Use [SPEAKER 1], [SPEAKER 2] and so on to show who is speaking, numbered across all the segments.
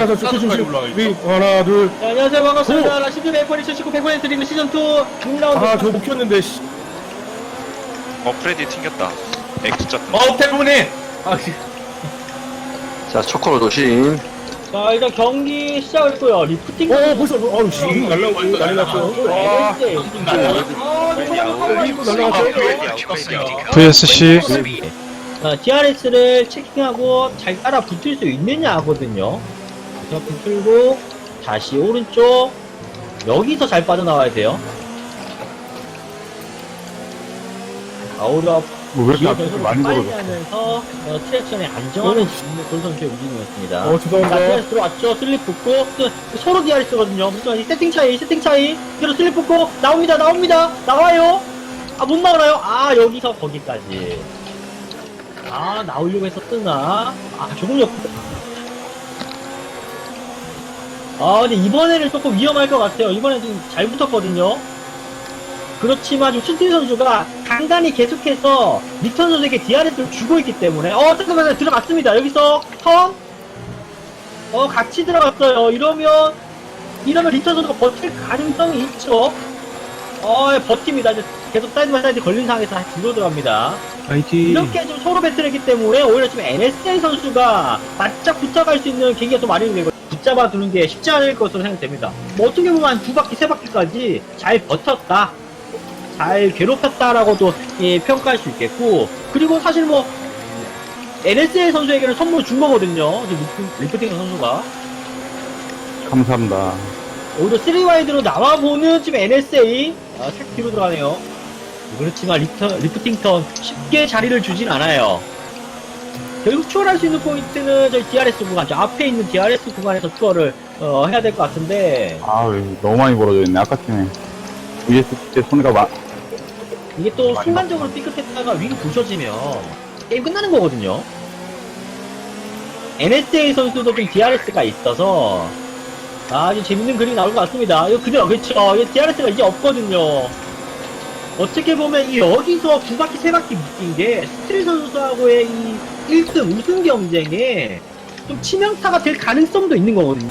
[SPEAKER 1] 하나, 둘.
[SPEAKER 2] 자, 안녕하세요. 반갑습니다. 라시드 메이플이 79 100% 드리는 시즌2 6라운드.
[SPEAKER 1] 아, 저거 못 켰는데, 씨.
[SPEAKER 3] 프레디 튕겼다. X자 뜬.
[SPEAKER 1] 태풍님! 아,
[SPEAKER 4] 자, 초코로 도심.
[SPEAKER 2] 자, 일단 경기 시작했고요. 리프팅.
[SPEAKER 1] 벌써, 어우, 씨, 날라오고, 난리 났어.
[SPEAKER 5] VSC
[SPEAKER 2] 자, DRS를 체킹하고 잘 따라 붙을 수 있느냐 하거든요. 자, 붙들고 다시 오른쪽. 여기서 잘 빠져나와야 돼요. 아우라
[SPEAKER 5] 왜 이렇게
[SPEAKER 2] 기어
[SPEAKER 5] 앞에서
[SPEAKER 2] 변속을
[SPEAKER 5] 많이
[SPEAKER 2] 빨리
[SPEAKER 5] 걸어져?
[SPEAKER 2] 하면서 트랙션에 안정화를 주는 골 선수의 움직임이었습니다.
[SPEAKER 1] 죄송합니다.
[SPEAKER 2] 자, DRS 들어왔죠. 슬립 붙고 서로 DRS거든요. 무슨 세팅 차이. 그래서 슬립 붙고 나옵니다. 나와요. 아, 못 나오나요? 아, 여기서 거기까지. 아, 나오려고 해서 뜨나? 아, 조금 근데 이번에는 조금 위험할 것 같아요. 이번엔 좀 잘 붙었거든요. 그렇지만 지금 춘티 선수가 간간히 계속해서 리턴 선수에게 DRS를 주고 있기 때문에 잠깐만요. 들어갔습니다. 여기서 턴 같이 들어갔어요. 이러면 리턴 선수가 버틸 가능성이 있죠. 버팁니다. 이제 계속 사이드 바이 사이드 걸린 상황에서 뒤로 들어갑니다. 이렇게 좀 서로 배틀했기 때문에 오히려 지금 NSA 선수가 바짝 붙어갈 수 있는 계기가 좀 마련이 되고 붙잡아 두는 게 쉽지 않을 것으로 생각됩니다. 뭐 어떻게 보면 한 2바퀴, 3바퀴까지 잘 버텼다. 잘 괴롭혔다라고도 평가할 수 있겠고, 그리고 사실 뭐 NSA 선수에게는 선물을 준 거거든요. 리프팅 선수가
[SPEAKER 5] 감사합니다.
[SPEAKER 2] 오히려 3와이드로 나와보는 지금 NSA 색 뒤로 들어가네요. 그렇지만 리프팅 턴 쉽게 자리를 주진 않아요. 결국 추월할 수 있는 포인트는 저희 DRS 구간, 저 앞에 있는 DRS 구간에서 추월을 해야 될 것 같은데,
[SPEAKER 5] 너무 많이 벌어져 있네. 아까 전에 VSC 때 손해가
[SPEAKER 2] 이게 또 순간적으로 삐끗했다가 윙 부셔지면 게임 끝나는 거거든요. NSA 선수도 좀 DRS가 있어서 아주 재밌는 그림이 나올 것 같습니다. 이거 그대로, 그렇죠. 이 DRS가 이제 없거든요. 어떻게 보면 여기서 2바퀴, 3바퀴 묶인 게 스트릴 선수하고의 이 1등 우승 경쟁에 좀 치명타가 될 가능성도 있는 거거든요.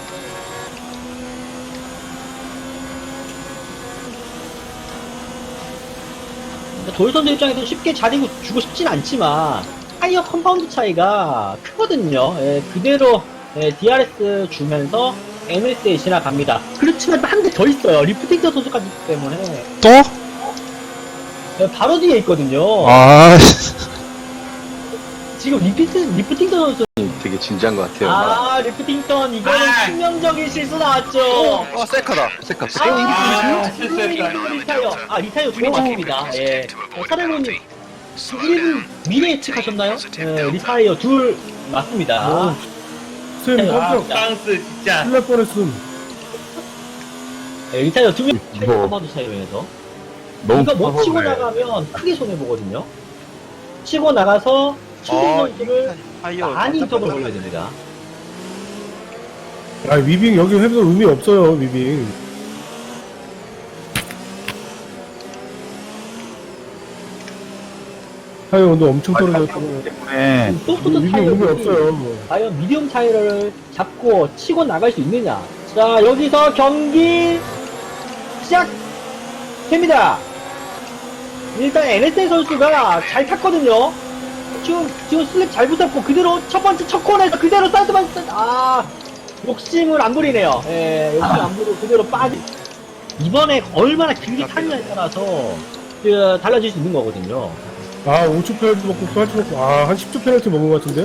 [SPEAKER 2] 도일 선수 입장에서 쉽게 자리 주고 싶진 않지만 타이어 컴파운드 차이가 크거든요. 그대로 DRS 주면서 NSA 지나갑니다. 그렇지만 한 대 더 있어요. 리프팅터 선수까지 있기 때문에
[SPEAKER 5] 또?
[SPEAKER 2] 바로 뒤에 있거든요. 지금 리프팅터 선수
[SPEAKER 4] 되게 진지한 것 같아요.
[SPEAKER 2] 리프팅턴 이거는 치명적인 실수 나왔죠.
[SPEAKER 4] 세카다. 세카.
[SPEAKER 2] 리타이어 두개 맞습니다. 사령님 1분 미래 예측하셨나요? 리타이어 둘 맞습니다.
[SPEAKER 1] 쌤, 깜짝
[SPEAKER 2] 땅스 진짜.
[SPEAKER 1] 놀랄 뻔했음.
[SPEAKER 2] 리타이어 두명
[SPEAKER 5] 이거
[SPEAKER 2] 컴파운드 차이로 해서
[SPEAKER 5] 너무
[SPEAKER 2] 이거 못
[SPEAKER 5] 커서
[SPEAKER 2] 치고
[SPEAKER 5] 그래.
[SPEAKER 2] 나가면 크게 손해보거든요. 치고 나가서 춘ting 선수를 많이 인터벌 걸려야 됩니다.
[SPEAKER 1] 아, 위빙 여기 해도 의미 없어요, 위빙. 타이어 온도 엄청 떨어졌고.
[SPEAKER 5] 때문에
[SPEAKER 2] 소프트
[SPEAKER 1] 위빙
[SPEAKER 2] 타이어
[SPEAKER 1] 의미 없어요.
[SPEAKER 2] 과연 미디엄 타이어를 잡고 치고 나갈 수 있느냐. 자, 여기서 경기 시작됩니다. 일단 NSA 선수가 잘 탔거든요. 지금 슬립 잘 붙었고 그대로 첫 번째 첫 코너에서 그대로 사이드만 욕심을 안 부리네요. 욕심을 안 부리고 그대로 빠지. 이번에 얼마나 길게 타느냐에 따라서 달라질 수 있는 거거든요.
[SPEAKER 1] 5초 페널티 먹고, 8초 먹고, 한 10초 페널티 먹은 것 같은데?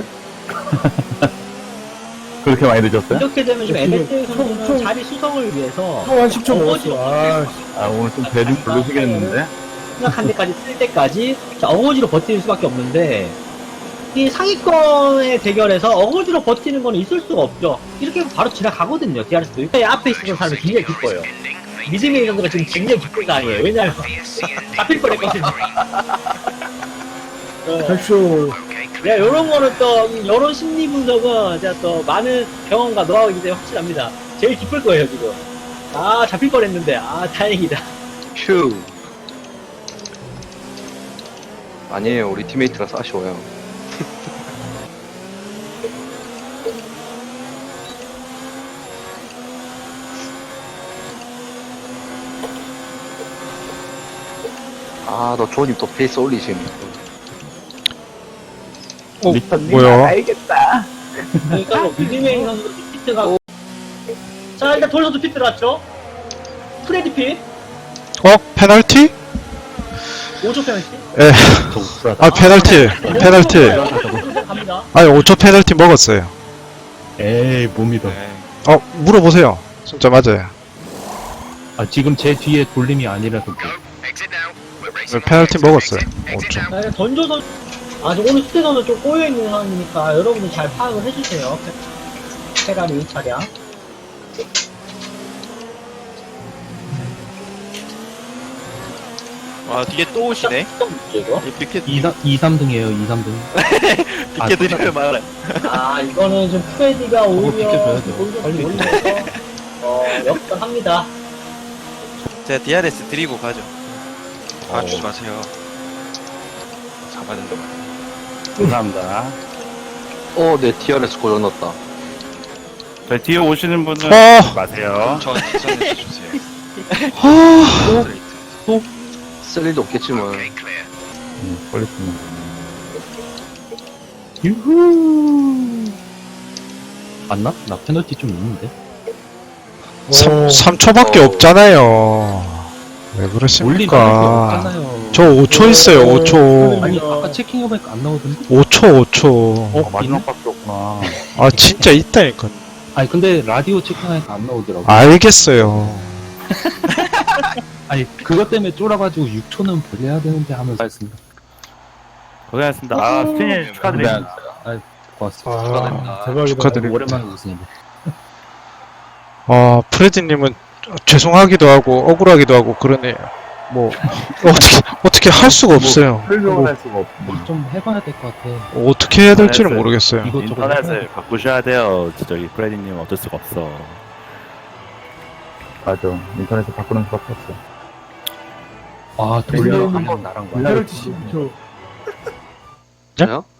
[SPEAKER 5] 그렇게 많이 늦었어요?
[SPEAKER 2] 이렇게 되면 지금
[SPEAKER 1] 지금
[SPEAKER 2] NSA 선수는
[SPEAKER 1] 총-
[SPEAKER 2] 자리 수성을 위해서
[SPEAKER 1] 한 10초 먹었어.
[SPEAKER 5] 오늘 좀 대중 부르시겠는데?
[SPEAKER 2] 생각한 데까지 쓸 때까지 어거지로 버티는 수밖에 없는데, 이 상위권의 대결에서 어거지로 버티는 건 있을 수가 없죠. 이렇게 하면 바로 지나가거든요. DRS도 앞에 있는 사람이 굉장히 기뻐요. 미즈메이 선수가 지금 굉장히 기쁜 거 아니에요. 왜냐면 잡힐 뻔했거든요.
[SPEAKER 1] 백쇼.
[SPEAKER 2] 요런 거는 또 이런 심리 분석은 제가 또 많은 경험과 노하우이기 때문에 확실합니다. 제일 기쁠 거예요 지금. 잡힐 뻔했는데 다행이다.
[SPEAKER 4] 휴. 아니에요. 우리 팀메이트라서 아쉬워요. 아, 너 조님 또 페이스 올리시네.
[SPEAKER 1] 뭐야?
[SPEAKER 5] 알겠다.
[SPEAKER 2] 그러니까 뭐 미드메인 선수 피트가 자 일단 돌 선수 피트 들어왔죠. 프레디 핏
[SPEAKER 6] 페널티?
[SPEAKER 2] 5초 페널티.
[SPEAKER 6] 예. 아, 페널티.
[SPEAKER 2] 갑니다.
[SPEAKER 6] 아니, 5초 페널티 먹었어요.
[SPEAKER 5] 에이, 못 믿어.
[SPEAKER 3] 네.
[SPEAKER 6] 물어보세요. 진짜 맞아요.
[SPEAKER 5] 아, 지금 제 뒤에 돌림이 아니라서.
[SPEAKER 6] 페널티 먹었어요. 5초.
[SPEAKER 2] 자 일단 던조 선수 아직 오늘 스테 선수 좀 꼬여 있는 상황이니까 여러분들 잘 파악을 해주세요. 페라리 차량.
[SPEAKER 3] 와 뒤에 또 오시네.
[SPEAKER 2] 이거?
[SPEAKER 3] 이 빅켓
[SPEAKER 5] 2, 3등이에요, 2, 3등.
[SPEAKER 3] 빅켓 드리면 말해.
[SPEAKER 2] 아 이거는 좀 프레디가 오히려
[SPEAKER 5] 비켜줘야 돼요.
[SPEAKER 2] 돌좀
[SPEAKER 5] 빨리
[SPEAKER 2] 올리면서 역전합니다.
[SPEAKER 3] 제가 DRS 드리고 가죠. 아 주지 마세요. 잡아야 된다고.
[SPEAKER 5] 감사합니다.
[SPEAKER 4] 내 TRS 고장 났다.
[SPEAKER 7] 저 뒤에 오시는 분은 마세요.
[SPEAKER 3] 저 뒷선에 주세요.
[SPEAKER 4] 쓸 일도 없겠지만.
[SPEAKER 5] 걸렸습니다. 유후. 맞나? 나 페널티 좀 있는데.
[SPEAKER 6] 3초밖에 없잖아요. 왜
[SPEAKER 5] 올린
[SPEAKER 6] 그러십니까?
[SPEAKER 5] 없잖아요.
[SPEAKER 6] 저 5초 있어요, 5초.
[SPEAKER 5] 아니, 아까 체킹해보니까 안 나오던데?
[SPEAKER 6] 5초.
[SPEAKER 5] 마지막밖에 없구나.
[SPEAKER 6] 아, 진짜 있다니까.
[SPEAKER 5] 아니, 근데 라디오 체킹하니까 안 나오더라고.
[SPEAKER 6] 알겠어요.
[SPEAKER 5] 아니, 그것 때문에 쫄아가지고 6초는 벌려야 되는데 하면서 했습니다.
[SPEAKER 7] 고생하셨습니다. 아, 스피님 축하드립니다.
[SPEAKER 5] 고맙습니다.
[SPEAKER 1] 아, 대박이다.
[SPEAKER 6] 축하드립니다.
[SPEAKER 5] 오랜만에 웃으니까.
[SPEAKER 6] 프레디님은 죄송하기도 하고, 억울하기도 하고, 그러네요. 뭐, 어떻게 할 수가 없어요.
[SPEAKER 5] 설명을 할 수가 없고. 좀 해봐야 될 것 같아.
[SPEAKER 6] 어떻게 해야 될지는 모르겠어요.
[SPEAKER 5] 이것저것 해봐야
[SPEAKER 7] 인터넷을
[SPEAKER 5] 돼.
[SPEAKER 7] 바꾸셔야 돼요. 저기 프레디님 어쩔 수가 없어.
[SPEAKER 5] 맞아. 인터넷을 바꾸는 수밖에 없어. 아, 돌려 한번 나랑 봐.
[SPEAKER 1] 페널티 10초.
[SPEAKER 4] 저요?